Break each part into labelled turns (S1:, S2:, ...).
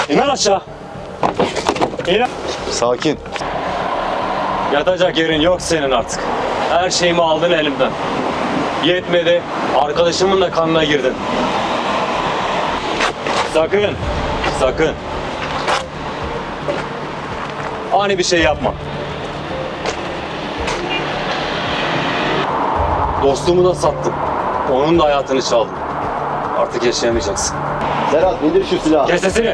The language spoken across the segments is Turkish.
S1: İn aşağı. İn.
S2: Sakin.
S1: Yatacak yerin yok senin artık. Her şeyimi aldın elimden. Yetmedi, arkadaşımın da kanına girdin. Sakın, sakın. Ani bir şey yapma. Dostumu da sattın. Onun da hayatını çaldın. Artık yaşayamayacaksın.
S3: Serhat indir şu silahı.
S1: Kes sesini.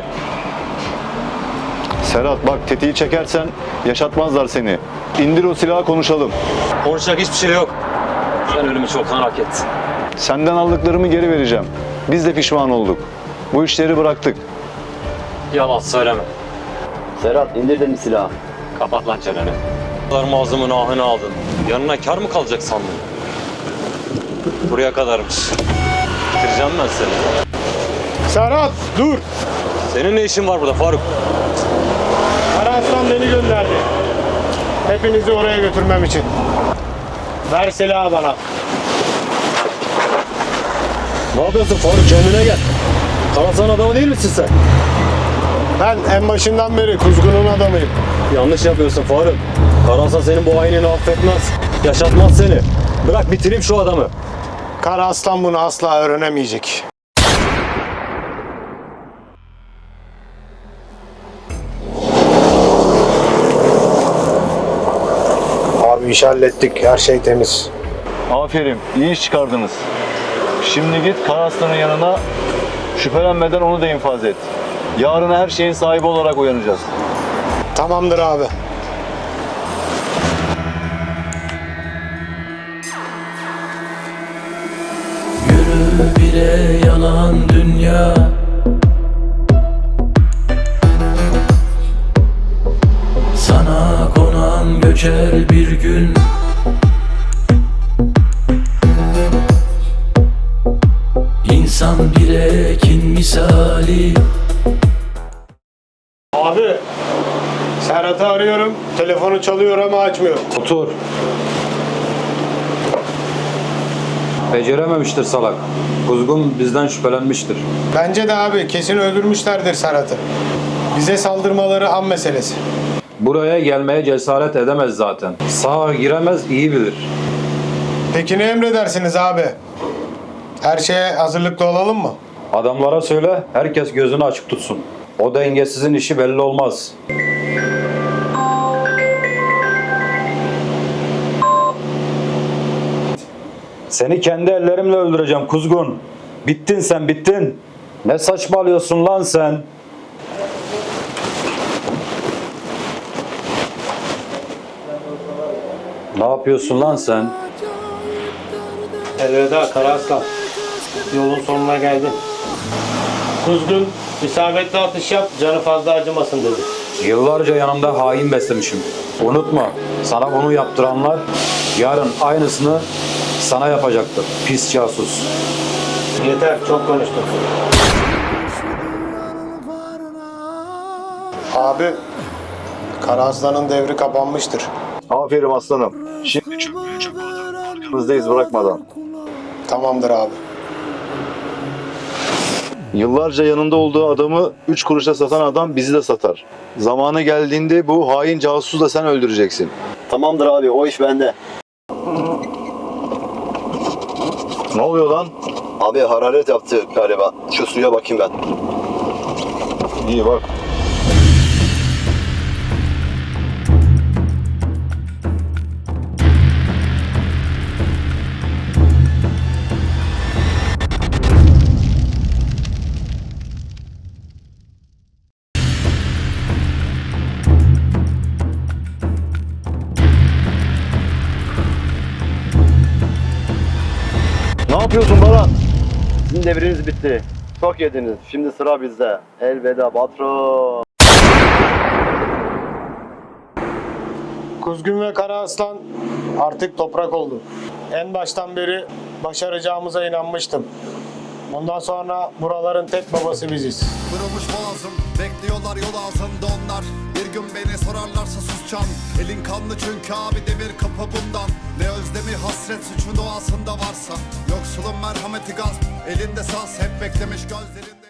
S2: Serhat bak tetiği çekersen yaşatmazlar seni. İndir o silahı konuşalım.
S1: Konuşacak hiçbir şey yok. Sen ölümü çoktan hak ettin.
S2: Senden aldıklarımı geri vereceğim. Biz de pişman olduk. Bu işleri bıraktık.
S1: Yalan söyleme.
S3: Serhat indir dedim silahı.
S1: Kapat lan çeneni. Ağzımın ahını aldın. Yanına kar mı kalacak sandın? Buraya kadarmış. Bitireceğim ben seni.
S4: Serhat dur.
S1: Senin ne işin var burada Faruk?
S4: Karaaslan beni gönderdi. Hepinizi oraya götürmem için. Ver silahı bana.
S1: Ne yapıyorsun Faruk? Kendine gel. Karasan adamı değil misin sen?
S4: Ben en başından beri Kuzgun'un adamıyım.
S1: Yanlış yapıyorsun Faruk. Karasan senin bu hainini affetmez. Yaşatmaz seni. Bırak bitireyim şu adamı.
S4: Karaaslan bunu asla öğrenemeyecek. Abi iş hallettik. Her şey temiz.
S2: Aferin, iyi iş çıkardınız. Şimdi git Karaslan'ın yanına, şüphelenmeden onu da infaz et. Yarın her şeyin sahibi olarak uyanacağız.
S4: Tamamdır abi.
S5: Yürü bile yalan dünya. Sana konan göçer bir gün. İnsan bir ekin misali.
S4: Abi Serhat'ı arıyorum. Telefonu çalıyor ama açmıyor.
S6: Otur. Becerememiştir salak. Kuzgun bizden şüphelenmiştir.
S4: Bence de abi kesin öldürmüşlerdir Serhat'ı. Bize saldırmaları an meselesi.
S6: Buraya gelmeye cesaret edemez zaten. Sağa giremez, iyi bilir.
S4: Peki ne emredersiniz abi? Her şeye hazırlıklı olalım mı?
S6: Adamlara söyle, herkes gözünü açık tutsun. O dengesizin işi belli olmaz. Seni kendi ellerimle öldüreceğim Kuzgun. Bittin sen, bittin. Ne saçmalıyorsun lan sen? Ne yapıyorsun lan sen?
S4: Elveda Karaaslan. Yolun sonuna geldin. Kuzgun isabetli atış yap, canı fazla acımasın dedi.
S6: Yıllarca yanımda hain beslemişim. Unutma, sana bunu yaptıranlar yarın aynısını sana yapacaktır. Pis casus.
S4: Yeter, çok konuştun. Abi, Karaaslan'ın devri kapanmıştır.
S2: Aferin aslanım. Şimdi çöplüğü çöpe atalım. Arkamızdayız bırakmadan.
S4: Tamamdır abi.
S2: Yıllarca yanında olduğu adamı 3 kuruşa satan adam bizi de satar. Zamanı geldiğinde bu hain casusu da sen öldüreceksin.
S3: Tamamdır abi o iş bende.
S2: Ne oluyor lan?
S3: Abi hararet yaptı galiba. Şu suya bakayım ben.
S2: İyi bak. Ne yapıyorsun Baran?
S3: Sizin devriniz bitti. Çok yediniz. Şimdi sıra bizde. Elveda patron.
S4: Kuzgun ve Karaaslan artık toprak oldu. En baştan beri başaracağımıza inanmıştım. Bundan sonra buraların tek babası biziz.
S7: Kırılmış boğazım, bekliyorlar yol ağzında onlar. Bir gün beni sorarlarsa susacağım. Elin kanlı çünkü abi demir kapı bundan. Ne özlemi hasret suçun doğasında varsa. Yoksulun merhameti gasp, elinde saz hep beklemiş gözlerinde.